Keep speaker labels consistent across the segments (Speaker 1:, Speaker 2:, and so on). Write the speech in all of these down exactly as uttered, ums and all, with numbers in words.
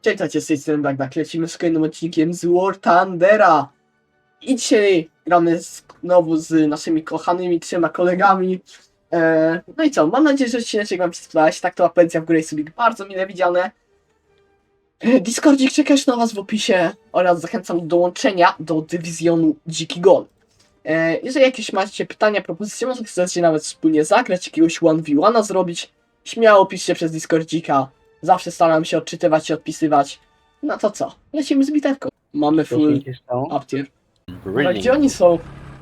Speaker 1: Cześć, cześć, z tej strony Blackback, lecimy z kolejnym odcinkiem z War Thundera. I dzisiaj gramy znowu z naszymi kochanymi trzema kolegami. Eee, no i co, mam nadzieję, że odcinek wam się spodobać. Tak to apetycja w górę jest sobie bardzo mile widziane. Eee, Discordzik czeka już na was w opisie oraz zachęcam do dołączenia do dywizjonu Dziki Gon. Eee, jeżeli jakieś macie pytania, propozycje, może chcecie nawet wspólnie zagrać, jakiegoś one v one zrobić, śmiało piszcie przez Discordzika. Zawsze staram się odczytywać i odpisywać. No to co? Lecimy z bitewką. Mamy full uptier. A gdzie oni są?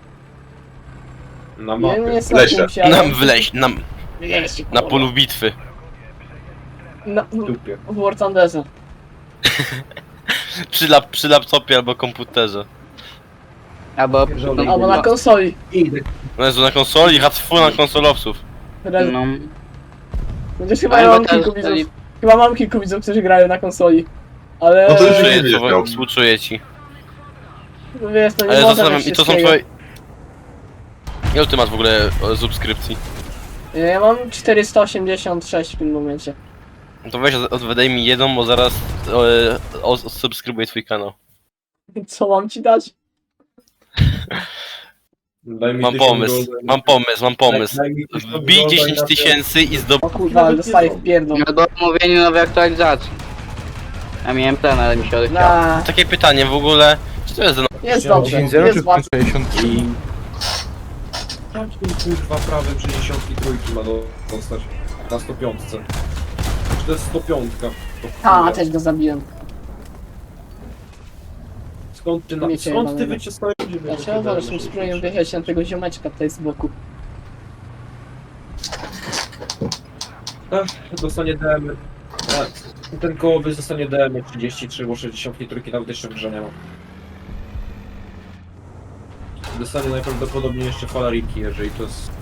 Speaker 2: Na
Speaker 1: Nie,
Speaker 2: mapie.
Speaker 1: nie są
Speaker 3: Lesie.
Speaker 1: kimś, ale-
Speaker 4: Nam wleź, nam,
Speaker 1: Lesie,
Speaker 4: na
Speaker 1: kurwa.
Speaker 4: polu bitwy.
Speaker 1: Na,
Speaker 2: W dupie.
Speaker 1: w War Thunderze.
Speaker 4: Przy, lap, przy laptopie albo komputerze.
Speaker 5: Albo
Speaker 2: Pierdolę.
Speaker 1: Albo na konsoli.
Speaker 2: Idę.
Speaker 4: No Jezu, na konsoli, hatfu na konsolowców.
Speaker 1: Re-
Speaker 5: no.
Speaker 1: Chociaż chyba
Speaker 5: Albo
Speaker 1: mam
Speaker 5: teraz
Speaker 1: kilku widzów.
Speaker 5: stali-
Speaker 1: Chyba mam kilku widzów, którzy grają na konsoli. Ale...
Speaker 3: No to już
Speaker 4: Współczuję,
Speaker 3: nie
Speaker 4: to,
Speaker 3: wiedział.
Speaker 4: współczuję ci.
Speaker 1: Wiesz, no nie
Speaker 4: Ale
Speaker 1: można
Speaker 4: zastanawiam,
Speaker 1: mieć
Speaker 4: i to są
Speaker 1: wszystkiego.
Speaker 4: twoje... Ile ty masz w ogóle e, subskrypcji?
Speaker 1: Ja mam czterysta osiemdziesiąt sześć w tym momencie.
Speaker 4: No to weź, od- wydaj mi jedną, bo zaraz e, o, subskrybuję twój kanał.
Speaker 1: Co mam ci dać?
Speaker 2: Daj mi
Speaker 4: Mam
Speaker 2: tysiąc
Speaker 4: pomysł,
Speaker 2: golda.
Speaker 4: mam pomysł, mam pomysł.
Speaker 2: Daj mi tysiąc
Speaker 4: Wbij
Speaker 2: golda i
Speaker 4: dziesięć
Speaker 2: na to-
Speaker 4: tysięcy i zdob...
Speaker 1: O kurwa, ale dostaję w pierdol.
Speaker 5: Albo omówienie nowej aktualizacji. Ja miałem plan, ale mi się odechciało.
Speaker 1: Na,
Speaker 4: Takie pytanie w ogóle, czy to jest za...
Speaker 1: jest dobrze,
Speaker 3: dziesięć zero
Speaker 1: jest
Speaker 3: czy
Speaker 1: łatwo.
Speaker 3: sześćdziesiąt?
Speaker 2: I... Jakim kurwa prawem sześćdziesiąt trzy ma do- dostać? Na sto pięć. Czy to jest sto pięć?
Speaker 1: A, też go zabiłem.
Speaker 2: Skąd ty, na...
Speaker 1: Miecie
Speaker 2: Skąd ty
Speaker 1: jebanego.
Speaker 2: wyciskałeś?
Speaker 1: Dlaczego wolę tym spróbuję wyjechać na tego ziomeczka tutaj z boku?
Speaker 2: Ach, dostanie D M. A, ten kołowy dostanie D M trzydzieści trzy, bo sześćdziesiąt trzy nawet jeszcze w grze nie ma. Dostanie najprawdopodobniej jeszcze falariki, jeżeli to jest...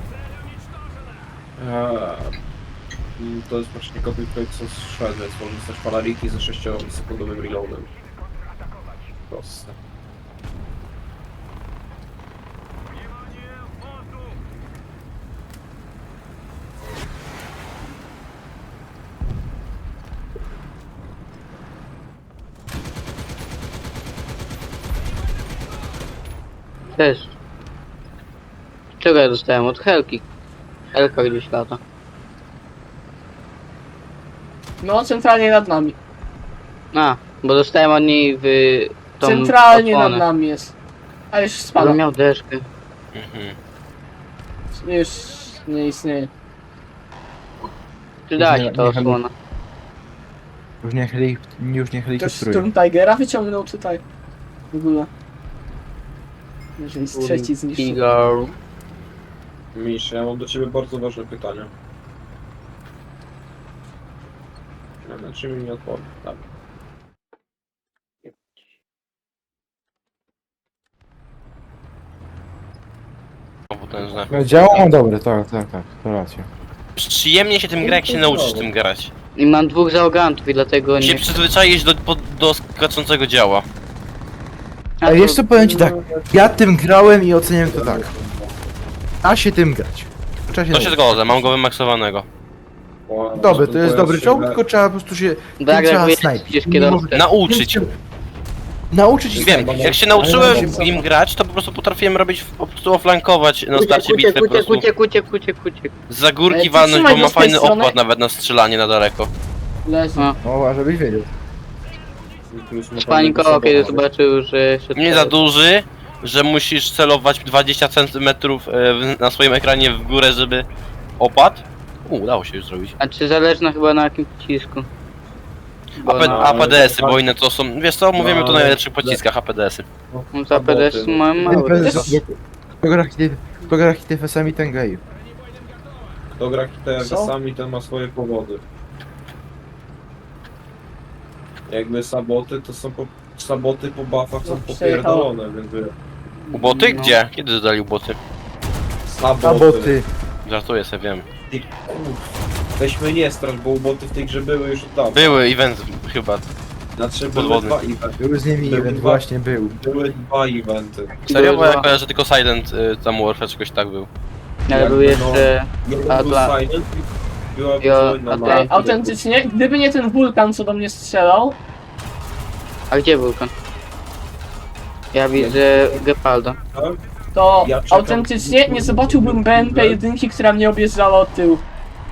Speaker 2: Eee, to jest właśnie copy paste co z Shred, więc może dostać falariki ze sześciosekundowym reloadem. Proste.
Speaker 5: Też. Czego ja dostałem? Od Helki. Helka gdzieś lata.
Speaker 1: No, centralnie nad nami.
Speaker 5: A, bo dostałem od niej w tą
Speaker 1: Centralnie nad
Speaker 5: osłonę.
Speaker 1: nami jest. A już
Speaker 5: Ale
Speaker 1: spada.
Speaker 5: miał deszkę.
Speaker 4: Mhm.
Speaker 1: Już nie istnieje.
Speaker 5: Przyda
Speaker 3: Nie-
Speaker 5: się ta
Speaker 3: nie-
Speaker 5: osłona.
Speaker 3: Już nie, heli, już nie
Speaker 1: Ktoś
Speaker 3: helikopteruje.
Speaker 1: Storm Tigera wyciągnął tutaj. W ogóle. Jeżeli trzeci zniszczył.
Speaker 5: Tiger.
Speaker 2: Misz, ja mam do ciebie bardzo ważne pytanie. Na czym mi odpowiem? Tak.
Speaker 4: O, potężne.
Speaker 3: No, Działo dobre, tak, tak, tak, to racja.
Speaker 4: Przyjemnie się tym gra, jak się nauczysz tym grać.
Speaker 5: I mam dwóch załogantów i dlatego
Speaker 4: Się
Speaker 5: nie...
Speaker 4: przyzwyczaisz do, po- do skaczącego działa.
Speaker 3: Ale wiesz co, powiem ci tak, ja tym grałem i oceniam to tak. Da się tym grać. Trzeba się
Speaker 4: To się
Speaker 3: nauczyć.
Speaker 4: zgodzę, mam go wymaksowego.
Speaker 3: Dobre, to jest dobry czołg, tylko trzeba po prostu się tym
Speaker 5: Tak,
Speaker 3: trzeba
Speaker 5: jak
Speaker 3: snajpić.
Speaker 5: będziesz
Speaker 3: Nie
Speaker 5: kierowcą.
Speaker 3: może-
Speaker 4: Nauczyć.
Speaker 3: Nauczyć się
Speaker 4: Wiem,
Speaker 3: snajpić.
Speaker 4: jak się nauczyłem
Speaker 3: Ale-
Speaker 4: w nim grać, to po prostu potrafiłem robić, po prostu oflankować na starcie
Speaker 5: Uciek,
Speaker 4: bitwy, po
Speaker 5: uciek,
Speaker 4: prostu
Speaker 5: uciek, uciek, uciek, uciek.
Speaker 4: z górki
Speaker 1: Ale
Speaker 4: walnąć,
Speaker 1: trzymaj
Speaker 4: bo
Speaker 1: go
Speaker 4: ma
Speaker 1: z tej
Speaker 4: fajny
Speaker 1: strony.
Speaker 4: opłat nawet na strzelanie na daleko.
Speaker 1: Leży.
Speaker 5: A.
Speaker 3: O, żebyś wiedział.
Speaker 5: Spanikował, kiedy zobaczył, że się
Speaker 4: Nie za duży, że musisz celować dwadzieścia centymetrów e, w- na swoim ekranie w górę, żeby opadł. U, udało się już zrobić.
Speaker 5: A czy zależna chyba na jakim pocisku? Bo
Speaker 4: A, P,
Speaker 5: na...
Speaker 4: a P D S-y, bo inne to są, wiesz co, mówimy tu o
Speaker 2: No,
Speaker 4: najlepszych pociskach A P D S-y.
Speaker 5: No za P D S mam mały.
Speaker 3: Kto gra hity- kto gra hitefesami, ten gej.
Speaker 2: Kto gra T
Speaker 1: Co?
Speaker 2: sami, ten ma swoje powody. Jakby saboty, to są po... Saboty po buffach są
Speaker 1: No, przejechał.
Speaker 2: popierdolone, więc by...
Speaker 4: Uboty?
Speaker 5: No.
Speaker 4: Gdzie? Kiedy dodali uboty?
Speaker 2: Saboty.
Speaker 3: Saboty.
Speaker 4: Żartuję sobie, wiem.
Speaker 2: Ty kurw. Weźmy nie strasz, bo uboty w tej grze były już od dawna.
Speaker 4: Były event chyba.
Speaker 2: Znaczy były
Speaker 4: podwodny.
Speaker 2: dwa eventy.
Speaker 3: Był z nimi
Speaker 2: Były
Speaker 3: event,
Speaker 2: dwa-
Speaker 3: właśnie był.
Speaker 2: Były dwa eventy.
Speaker 4: Serio? Bo ja
Speaker 5: dwa.
Speaker 4: kojarzę tylko Silent y, tam Warfare czegoś tak był.
Speaker 5: Ale był
Speaker 2: Jakby, no,
Speaker 5: jeszcze...
Speaker 2: Jeden był
Speaker 5: Atla-
Speaker 2: silent i była
Speaker 5: Jo,
Speaker 2: wojna
Speaker 5: Atla-
Speaker 2: na...
Speaker 1: Ej, autentycznie, gdyby nie ten wulkan, co do mnie strzelał,
Speaker 5: A gdzie wulkan? Ja widzę Gepaldo.
Speaker 2: Tak?
Speaker 1: To
Speaker 2: Ja czekam.
Speaker 1: autentycznie nie zobaczyłbym B M P jeden, która mnie objeżdżała od tyłu.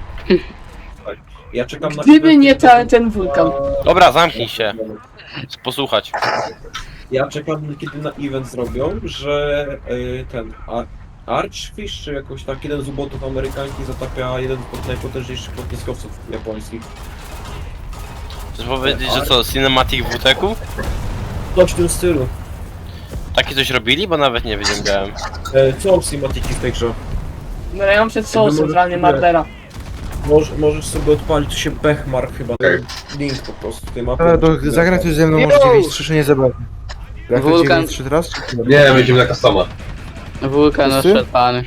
Speaker 2: Ja czekam na
Speaker 1: Gdyby
Speaker 2: chwilę,
Speaker 1: nie
Speaker 2: kiedy-
Speaker 1: ta, ten wulkan.
Speaker 4: Dobra, zamknij się. Posłuchać.
Speaker 2: Ja czekam, kiedy na event zrobią, że y, ten a, Archfish, czy jakoś tak, jeden z ubotów amerykańskich zatapia jeden z najpotężniejszych lotniskowców japońskich.
Speaker 4: Chcesz powiedzieć, że co, Cinematic W T K?
Speaker 2: Coś w tym stylu.
Speaker 4: Takie coś robili? Bo nawet nie wiedziałem.
Speaker 2: E, co cinematiki w tej grze?
Speaker 1: No ja mam przed sobą
Speaker 2: Jakby może-
Speaker 1: centralnie Mardera.
Speaker 2: Może, możesz sobie odpalić, tu się Bechmark chyba, ten link po prostu tej mapy.
Speaker 3: Ale to zagrać coś ze mną, może dziewięć trzy nie zabawne. Jak to
Speaker 5: Wulkan.
Speaker 3: dziewięć trzy teraz? Czy...
Speaker 6: Nie, będziemy na customa.
Speaker 5: Wulkan
Speaker 3: Wszyscy?
Speaker 5: oszczepany.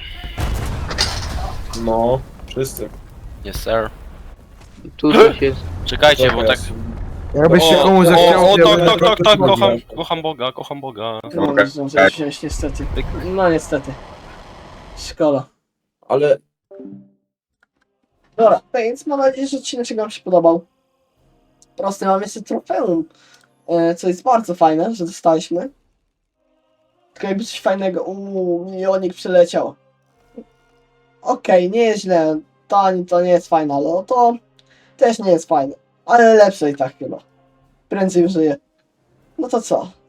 Speaker 2: No, wszyscy.
Speaker 4: Yes sir.
Speaker 5: Tu coś jest.
Speaker 4: Czekajcie, bo tak...
Speaker 3: Jakbyś się
Speaker 4: O,
Speaker 3: komuś
Speaker 4: o,
Speaker 3: zachciało...
Speaker 4: o,
Speaker 3: to ja
Speaker 4: tak,
Speaker 3: bym-
Speaker 4: tak, tak, tak, kocham, kocham Boga, kocham Boga.
Speaker 1: No,
Speaker 6: Okej.
Speaker 1: nie zdążyłem wziąć niestety. No niestety. Szkoda.
Speaker 2: Ale
Speaker 1: Dobra, tak więc mam nadzieję, że odcinek wam się podobał. Proste, mam jeszcze trofeum, e, co jest bardzo fajne, że dostaliśmy. Tylko jakby coś fajnego, uuu, milionik przyleciał. Okej, nie jest źle, to, to nie jest fajne, ale to też nie jest fajne. Ale lepsze i tak chyba. Prędzej żyje. No to co?